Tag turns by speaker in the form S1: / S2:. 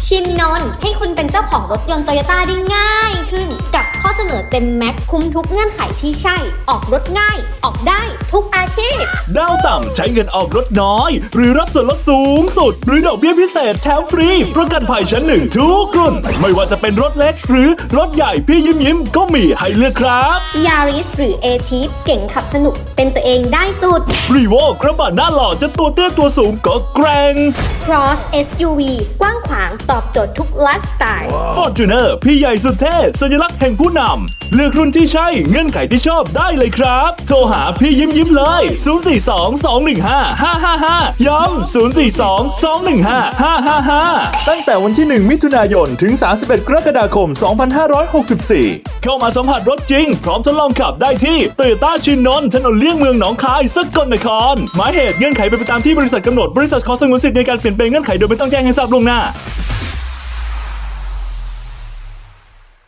S1: ชินนนท์ให้คุณเป็นเจ้าของรถยนต์โตโยต้าได้ง่ายขึ้นกับข้อเสนอเต็มแม็กคุ้มทุกเงื่อนไขที่ใช่ ออกรถง่าย ออกได้ทุกอาชีพ
S2: ดาวต่ำใช้เงินออกรถน้อย หรือรับส่วนลดสูงสุด หรือดอกเบี้ยพิเศษแถมฟรี ประกันภัยชั้นหนึ่งทุกรุ่น ไม่ว่าจะเป็นรถเล็กหรือรถใหญ่พี่ยิ้มก็มีให้เลือกครับ
S1: ยาริสหรือเอทีฟเก่งขับสนุกเป็นตัวเองได้สุด
S2: รีโวกระบะหน้าหล่อจะตัวเตี้ยตัวสูงก็แกร่ง
S1: Cross SUV กว้างขวางตอบโจทย์ทุกไลฟ์สไตล์
S2: Fortuner พี่ใหญ่สุดเท่สัญลักษณ์แห่งผู้นำเลือกรุ่นที่ใช่เงื่อนไขที่ชอบได้เลยครับโทรหาพี่ยิ้มเลย 042-215-555 ย้ำ 042-215-555 ตั้งแต่วันที่ 1 มิถุนายน ถึง 31 กรกฎาคม 2564 เข้ามาสัมผัสรถจริง พร้อมทดลองขับได้ที่ Toyota ชินนนท์ถนนเลี่ยงเมืองหนองคายสกลนครหมายเหตุเงื่อนไขเป็นไปตามที่บริษัทกำหนดบริษัทขอสงวนสิทธิ์ในการเปลี่ยนแปลงเงื่อนไขโดยไม่ต้องแจ้งให้ทราบล่วงหน้า